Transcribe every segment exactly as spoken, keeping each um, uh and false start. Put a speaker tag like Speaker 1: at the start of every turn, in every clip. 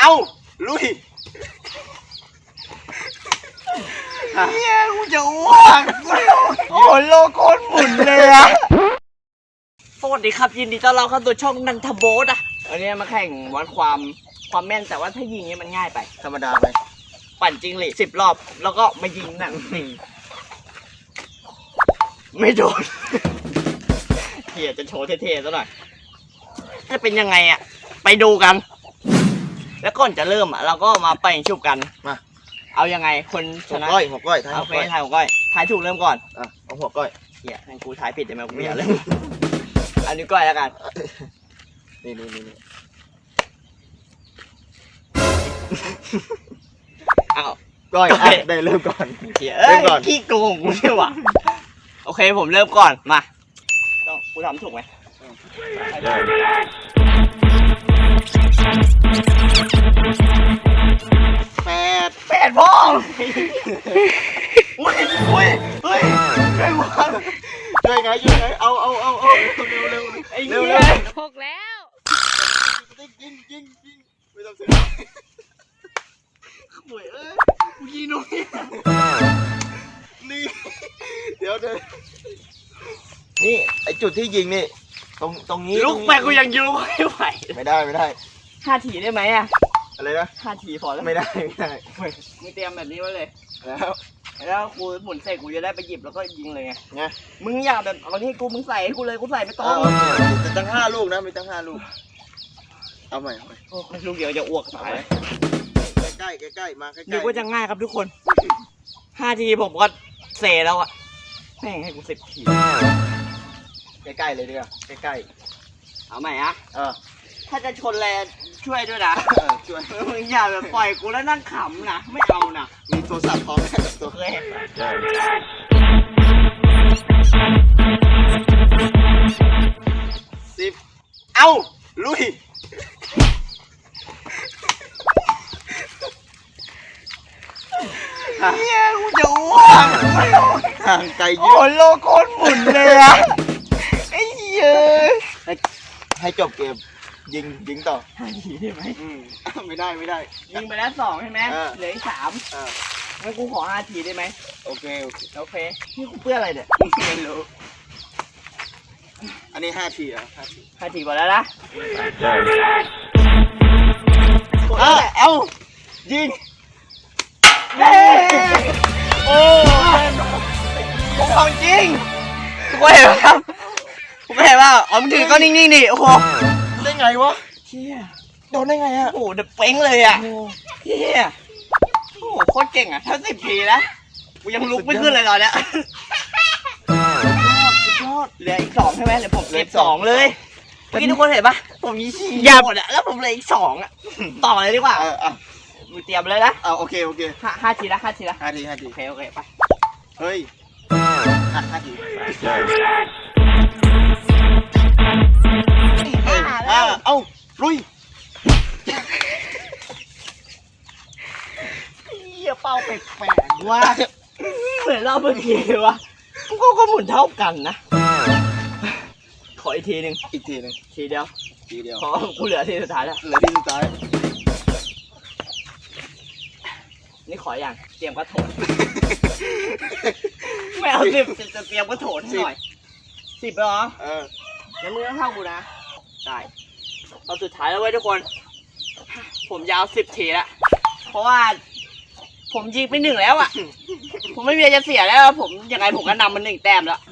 Speaker 1: เอ้าลุย
Speaker 2: เฮียกูจะอ้วกโอ้โลโก้หมุนเลยอะสวัสดีครับยินดีต้อนรับเข้าสู่ช่องนันทโบสอ่ะวันนี้มาแข่งวัดความความแม่นแต่ว่าถ้ายิงเนี่ยมันง่ายไป
Speaker 1: ธรรมดาไป
Speaker 2: ปั่นจริงหลีสิบรอบแล้วก็มายิงหนังไม่โดนเฮียจะโชว์เท่ๆซะหน่อยจะเป็นยังไงอ่ะไปดูกันแล้วก่อนจะเริ่มอ่ะเราก็มาไปชุบกัน
Speaker 1: มา
Speaker 2: เอายังไงคนชนะ
Speaker 1: หัวก้อยหัวก้อยทาย
Speaker 2: เอาเฟซทายหัวก้อยทายถูกเริ่มก่อน
Speaker 1: อ่ะเอาหัวก้อย
Speaker 2: เฮียให้กูทายผิดได้ไหมกูไม่อยากเล่นอันนี้ก้อยแล้วกัน
Speaker 1: นี่นี่นี่
Speaker 2: เอา
Speaker 1: ก้อยได้เริ่มก่อน
Speaker 2: เริ่มก่อนขี้โกงกูใช่หวะโอเคผมเริ่มก่อนมาต้องกูทำถูกไหม
Speaker 1: แปด
Speaker 2: แปดพ่ออุ้ยอุ้ยเฮ้ยช่วยวัง
Speaker 1: ช่วยไงช่วยไงเอาเอาเอาเอาเร็วเร็ว
Speaker 2: ไอ้เหี้ย
Speaker 3: หกแล้ว
Speaker 1: ยิงยิงยิงยิงไม่ต้องเสีย
Speaker 2: หวยเอ้ยกูยิงหน่อย
Speaker 1: นี่เดี๋ยวเดี๋ยวนี่ไอจุดที่ยิงนี่ตรงตรงนี้
Speaker 2: ลูกแม่กูยังยิงไม่ไหว
Speaker 1: ไม่ได้ไม่ได้
Speaker 2: ห้าทีได้ไหมอะ
Speaker 1: อะไรนะ
Speaker 2: ห้าทีพอแล้ว
Speaker 1: ไม่ได้ไม่ได้
Speaker 2: มึงเตรียมแบบนี้ไว้เลย
Speaker 1: แล้ว
Speaker 2: แล้วกูหมุนเสร็จกูจะได้ไปหยิบแล้วก็ยิงเลยไง
Speaker 1: ไง
Speaker 2: มึงอยากแบบเอาที่กูมึงใส่ให้กูเลยกูใส่ไม่ต้อง
Speaker 1: มีตั้งห้าลูกนะมีตั้งห้าลูกเอาใหม่เอาใหม่
Speaker 2: โอ้ลูกเดียวจะอ้วกตาย
Speaker 1: ใกล้ใกล้ใกล้มาใกล้
Speaker 2: เดี๋ยวก็จะง่ายครับทุกคนห้าทีผมก็เสร็จแล้วอะแม่งให้กูสิบที
Speaker 1: ใกล้ๆเลยดีกว่าใกล้
Speaker 2: ๆเอาใหม่อะ
Speaker 1: เออ
Speaker 2: ถ้าจะชนแลช่วยด้วยนะ
Speaker 1: ช่วย
Speaker 2: มึงอย่าแบบปล่อยกูแล้วนั่งขำนะไม่เอานะ
Speaker 1: มีโทรศัพท์พร้อมแค่ตัว
Speaker 2: เคย
Speaker 1: สิบเอ้าลุย
Speaker 2: เฮียกูจะอ้วก
Speaker 1: ห่างไกลเย
Speaker 2: อะโอ้โลโก้หมุนเลยอะไอ้เหี้ย
Speaker 1: ให้จบเกมยิงยิงต่อ
Speaker 2: ห้าทีได้ไหม
Speaker 1: ไม่ได้ไม่ได้
Speaker 2: ยิงไปแล้วสองใช่ไหมเหลืออีกสามงั้นกูขอห้าทีได้ไหม
Speaker 1: โอเคโอเค
Speaker 2: โอเคนี่กูเพื่ออะไรเนี่ย
Speaker 1: ไม่รู้อันนี้ห้าทีอ่ะห้าที
Speaker 2: ห้าทีหมดแล้วนะ
Speaker 1: เอ้าเอ้ายิง
Speaker 2: โอ้ผมของจริงกูเห็นครับกูเห็นว่าอ๋อมึงถือก็นิ่งๆดิโอ้โห
Speaker 1: ได้ไงวะ
Speaker 2: เฮีย
Speaker 1: โดนได้ไงอ่ะ
Speaker 2: โอ้โหเดือดเป้งเลยอ่ะเฮียโอ้โหโคตรเก่งอ่ะถ้าสิบทีนะกูยังลุกไม่ขึ้นเลยตอนเนี้ย
Speaker 1: สุดยอด
Speaker 2: เหลืออีกสองใช่ไหมเหลือผมเก็บสองเลยเมื่อกี้ทุกคนเห็นปะผมยี่สิบหมดอ่ะแล้วผมเหลืออีกสองอ่ะต่อเลยดีกว่า
Speaker 1: เอออ่ะ
Speaker 2: มึงเตรียมเลยนะ
Speaker 1: เอาโอเคโอเค
Speaker 2: ห้าห้าทีละห้าทีละ
Speaker 1: ห้าทีห้าที
Speaker 2: โอเคโอเคไป
Speaker 1: เฮ้ยห้าทีห้าเอ้าลุย
Speaker 2: เหี้ยเป้าแปลกๆว่าเหมือนเราเมื่อกี้วะก็ก็หมุนเท่ากันนะขออีกทีหนึ่ง
Speaker 1: อีกทีหนึ่ง
Speaker 2: ทีเดียว
Speaker 1: ทีเดียว
Speaker 2: ขอกูเหลือทีสุดท้ายแล้ว
Speaker 1: เหลือทีสุดท้าย
Speaker 2: นี่ขออย่างเตรียมกระโถนไม่เอาสิบจะเตรียมกระโถนให้หน่อยสิบเหรอ
Speaker 1: เออ
Speaker 2: แล้วมึงต้องเท่ากูนะได้ตอนสุดท้ายแล้วเว้ยทุกคนผมยาวสิบทีแล้วเพราะว่าผมยิงไปหนึ่งแล้วอ่ะผมไม่มีอะไรจะเสียแล้วผมยังไงผมก็นำมันหนึ่งแต้มแล้ว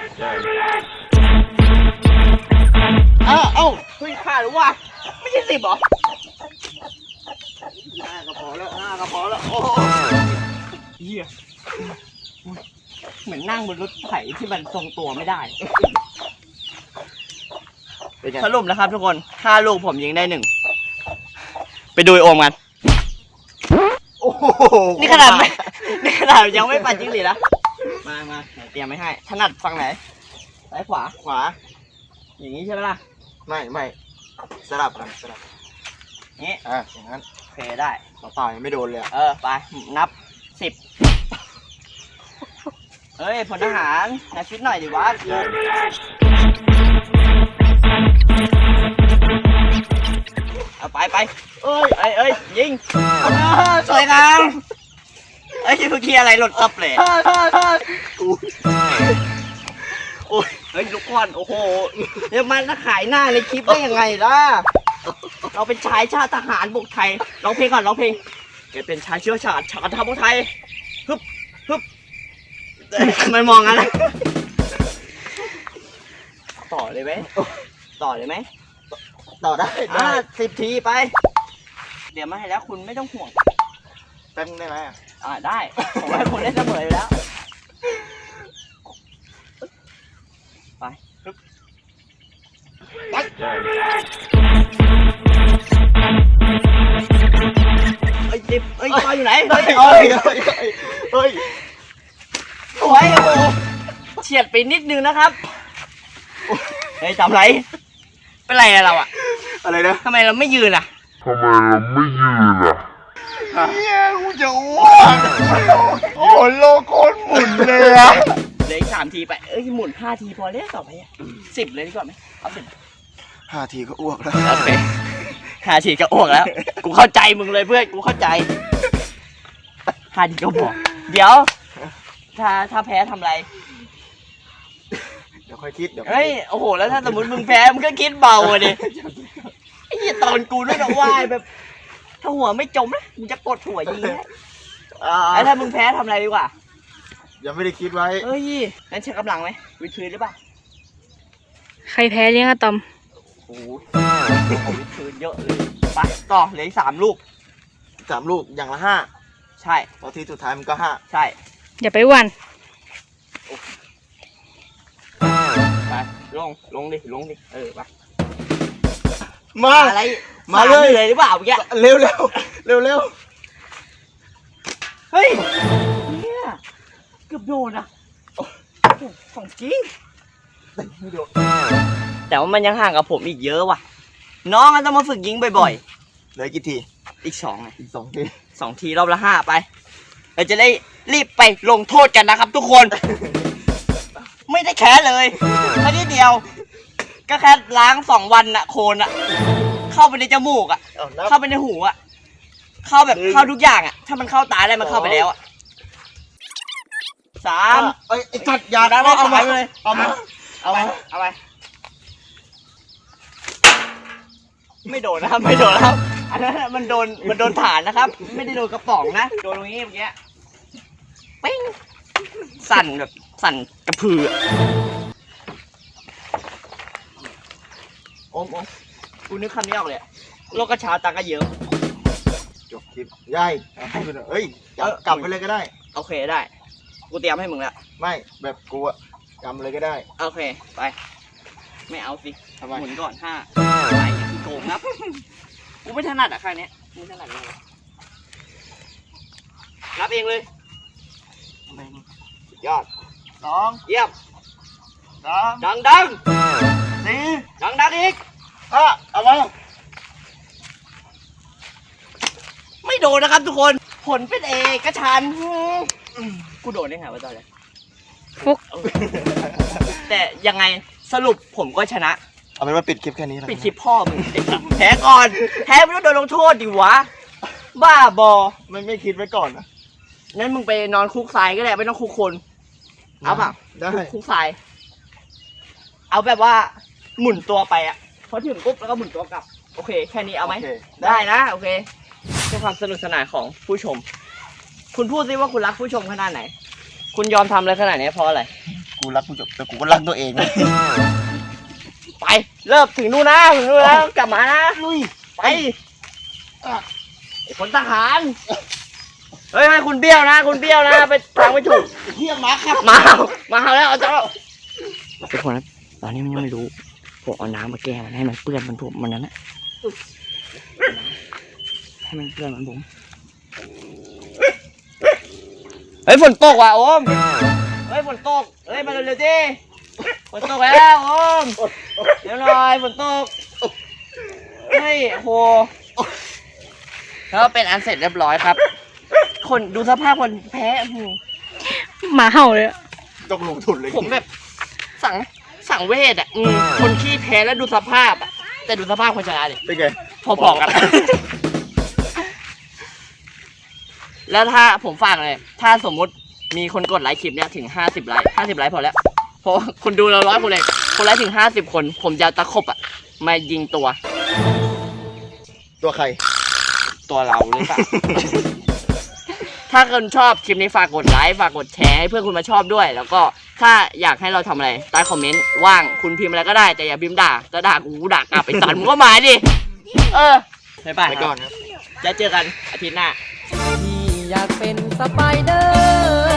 Speaker 1: อ้าวเอ้า
Speaker 2: เฮ้ยขาดหรือวะไม่ใช่สิบหรอ
Speaker 1: ห้ากระเพาะแล้วห้ากระเพาะแล้วโอ้
Speaker 2: เหี้ยเหมือนนั่งบนรถไถที่มันทรงตัวไม่ได้สรุปนะครับทุกคนห้าลูกผมยิงได้หนึ่งไปดูโอมกัน
Speaker 1: โอ้โห
Speaker 2: นี่ขนาดไม่นี่ขนาดยังไม่ปั่นจริงหรือนะมามาเตรียมไม่ให้ถนัดฝั่งไหนซ้ายขวา
Speaker 1: ขวา
Speaker 2: อย่างนี้ใช่ไหมล่ะ
Speaker 1: ไม่ไม่สลับกันสลับ
Speaker 2: นี้
Speaker 1: อ่ะอย่างนั้น
Speaker 2: โอเคได้
Speaker 1: ต่อยังไม่โดนเลย
Speaker 2: เออไปนับสิบเฮ้ยพลทหารนายฟิตหน่อยดิวะเเอาไปไปเอ้ยเอ้ยเอ้ยยิงสวยงามเอ้ยเมื่อกี้อะไรหล่นตับเลยโอ้ยเฮ้ยลูกก้อนโอ้โหเดี๋ยวมันจะขายหน้าในคลิปได้ยังไงล่ะเราเป็นชายชาติทหารบกไทยร้องเพลงก่อนร้องเพลงแกเป็นชายเชื้อชาติชาติทหารบกไทยฮึบฮึบมันมองงั้นนะต่อเลยไหมต่อเลยไหม
Speaker 1: ต่อได้
Speaker 2: อ่า
Speaker 1: ได้
Speaker 2: สิบทีไปเดี๋ยวมาให้แล้วคุณไม่ต้องห่วง
Speaker 1: แป๊บนึงได้ไหมอ่ะ
Speaker 2: อ่าได้ผมให้คุณได้เสมออยู่แล้วไปฮึบไปเอ้ยจิบเอ้ยปอยอยู่ไหนเฮ้ย
Speaker 1: เฮ้ยเฮ้ยเฮ้ย
Speaker 2: สวยโอ้โหเฉียดไปนิดนึงนะครับเฮ้ยจำไรเป็นไรอะเราอะ
Speaker 1: อะไรนะ
Speaker 2: ทำไมเราไม่ยืนอะ
Speaker 3: ทำไมเราไม่ยืนอ่ะ
Speaker 1: เฮียกูจะอ้วกโอ้โลโก้หมุนเลยอะ
Speaker 2: เหลืออีกสามทีไปเอ้ยหมุนห้าทีพอแล้วต่อไปอะสิบเลยดีกว่าไหมเอาสิบ
Speaker 1: ห้าทีก็อ้วกแล้ว
Speaker 2: โอเคห้าทีก็อ้วกแล้ว กูเข้าใจมึงเลยเพื่อน กูเข้าใจห้าทีก็บอกเดี๋ยว ถ้าถ้าแพ้ทำไร
Speaker 1: เดี๋ยวค่อยคิดเดี๋ยว
Speaker 2: เฮ้ย โอ้โห แล้วถ้าสมมติมึงแพ้ มึงก็คิดเบาอะดิไอ้เหี้ยตอนกูด้วยนะว่ายแบบ ถ้าหัวไม่จมนะ มึงจะกดหัวยิงนะ
Speaker 1: อ่า
Speaker 2: แล้วถ้ามึงแพ้ทำอะไรดีกว่า
Speaker 1: ยังไม่ได้คิดไว้
Speaker 2: เฮ้ย งั้นใช้กำลังไหมวิดพื้นหรือเปล่า
Speaker 4: ใครแพ้เลี้ยงอะตอม
Speaker 2: โอ้โหเอาวิดพื้นเยอะเลยไปต่อเหลืออีกสามลูก
Speaker 1: สามลูกอย่างละห้า
Speaker 2: ใช่
Speaker 1: พอทีสุดท้ายมันก็ห้า
Speaker 2: ใช่
Speaker 4: อย่าไปหวัน
Speaker 2: ไปลงลงดิลงดิเออไป
Speaker 1: มา
Speaker 2: อะไร
Speaker 1: มาเลย
Speaker 2: สเลยหรือเปล่าเมื่อกี้
Speaker 1: เร็วเร็วเร็วเร็ว
Speaker 2: เฮ้ยเนี่ยเกือบโดนอ่ะโอ้โหของจริงแต่ว่ามันยังห่างกับผมอีกเยอะว่ะ น้องก็ต้องมาฝึกยิงบ่อย
Speaker 1: เหลือกี่ที
Speaker 2: ๆ อีกสองไง
Speaker 1: อีกสองที
Speaker 2: สองทีรอบละห้าไปเราจะได้รีบไปลงโทษกันนะครับทุกคน ไม่ได้แค่เลยแค่นิดเดียว ก็แค่ล้างสองวันน่ะโคลนอ่ะ เข้าไปในจมูกอ่ะ
Speaker 1: เอานับ
Speaker 2: เข้าไปในหูอ่ะ เข้าแบบ
Speaker 1: หนึ่ง
Speaker 2: เข้าทุกอย่างอ่ะ ถ้ามันเข้าตาได้มันเข้าไปแล้วอ่ะสาม
Speaker 1: เอ้ยไอ้จัดยา
Speaker 2: ได้
Speaker 1: เอามา
Speaker 2: เลย
Speaker 1: เอามาเอามา
Speaker 2: เอาไปไม่โดนนะครับไม่โดนนะครับอันนั้นน่ะมันโดนมันโดนฐานนะครับ ไม่ได้โดนกระป๋องนะโดนตรงนี้เมื่อกี้ปิ้งสั่นแบบสั่นกระพืออะโอมโอมกูนึกคำนี้ออกเลยอะโลกกระชาตากระเยอะ
Speaker 1: จบคลิปยายเอาให้ไปเถอะเอ้ยกลับ
Speaker 2: เออ
Speaker 1: กลับไปเลยก็ได้
Speaker 2: โอเคได้กูเตรียมให้มึงแล้ว
Speaker 1: ไม่แบบกูอะกำเลยก็ได้
Speaker 2: โอเคไปไม่เอาสิ
Speaker 1: ทำไม
Speaker 2: หมุนก่อนห้าไปคือโกงครับกูไม่ถนัดอะครั้งเนี้ยกูไม่ถนัดเลยรับเองเลย
Speaker 1: ยอดสอง
Speaker 2: เยี่ยม
Speaker 1: สาม
Speaker 2: ดังดัง
Speaker 1: สี่
Speaker 2: ดังดังอีก
Speaker 1: ห้าเอามา
Speaker 2: ไม่โดนนะครับทุกคนผลเป็นเอกฉันท์อืมกูโดนได้ไงวะตอนแรก
Speaker 4: ฟุก
Speaker 2: แต่ยังไงสรุปผมก็ชนะ
Speaker 1: เอาเป็นว่าปิดคลิปแค่นี้แล้ว
Speaker 2: ปิดคลิปพ่อมึงแพ้ก่อนแพ้ไม่ต้องโดนลงโทษดิวะ บ้าบอ
Speaker 1: ไม่ไม่คิดไว้ก่อนนะ
Speaker 2: งั้นมึงไปนอนคุกทรายก็ได้ไม่ต้องคุกคน เอาเปล่า
Speaker 1: ได้
Speaker 2: คุกคุกทราย เอาแบบว่าหมุนตัวไปอะพอถึงปุ๊บแล้วก็หมุนตัวกลับ โอเค แค่นี้เอาไหม
Speaker 1: โค
Speaker 2: ได้นะ โอเคเพื่อความสนุกสนานของผู้ชม คุณพูดซิว่าคุณรักผู้ชมขนาดไหน คุณยอมทำอะไรขนาดนี้เพราะอะไร
Speaker 1: กูรักกูจบแต่กูก็รักตัวเองนะ
Speaker 2: ไปเริ่มถึงนู่นนะถึงนู่นแล้วกลับมานะลุยไปไอ้คนทหารเฮ้ยให้คุณเบี้ยวนะ คุณเบี้ยวนะไปทางไม่ถูก
Speaker 1: เฮียมาครับ
Speaker 2: มามาแล้วเอาเจ้าทุกคนนะตอนนี้มันยังไม่รู้ผมเอาน้ำมาแก้มันให้มันเปื้อนมันผมมันนั้นนะให้มันเปื้อนมันผมเฮ้ยฝนตกว่ะโอมเฮ้ยฝนตกเฮ้ยมาเร็วๆดิฝนตกแล้วโอมเดี๋ยวหน่อยฝนตกเฮ้ยโหแล้วเป็นอันเสร็จเรียบร้อยครับ คนดูสภาพคนแพ้อื้อหือ
Speaker 4: หมาเห่าเลยอะ
Speaker 1: ต้องลงทุนเลย
Speaker 2: ผมแบบสั่งสั่งเวทอ่ะอืมคนขี้แพ้แล้วดูสภาพอ่ะแต่ดูสภาพคนชนะดิ
Speaker 1: เป็นไง
Speaker 2: พอๆกัน แล้วถ้าผมฝากเลย ถ้าสมมุติมีคนกดไลค์คลิปเนี้ยถึงห้าสิบไลค์ห้าสิบไลค์พอแล้วเพราะคนดูเราร้อยคนเลยคนไลค์ถึงห้าสิบคน ผมจะตะขบอ่ะมายิงตัว
Speaker 1: ตัวใคร
Speaker 2: ตัวเราหรือเปล่า ถ้าคุณชอบคลิปนี้ฝากกดไลค์ฝากกดแชร์ให้เพื่อนคุณมาชอบด้วย แล้วก็ถ้าอยากให้เราทำอะไรใต้คอมเมนต์ว่างคุณพิมพ์อะไรก็ได้แต่อย่าพิมพ์ด่าจะด่ากูด่ากลับไปสันมึงก็มาดิเออไปไป
Speaker 1: ไปก่อนครับ
Speaker 2: จะเจอกันอาทิตย์หน้า
Speaker 5: พี่อยากเป็นสไปเดอร์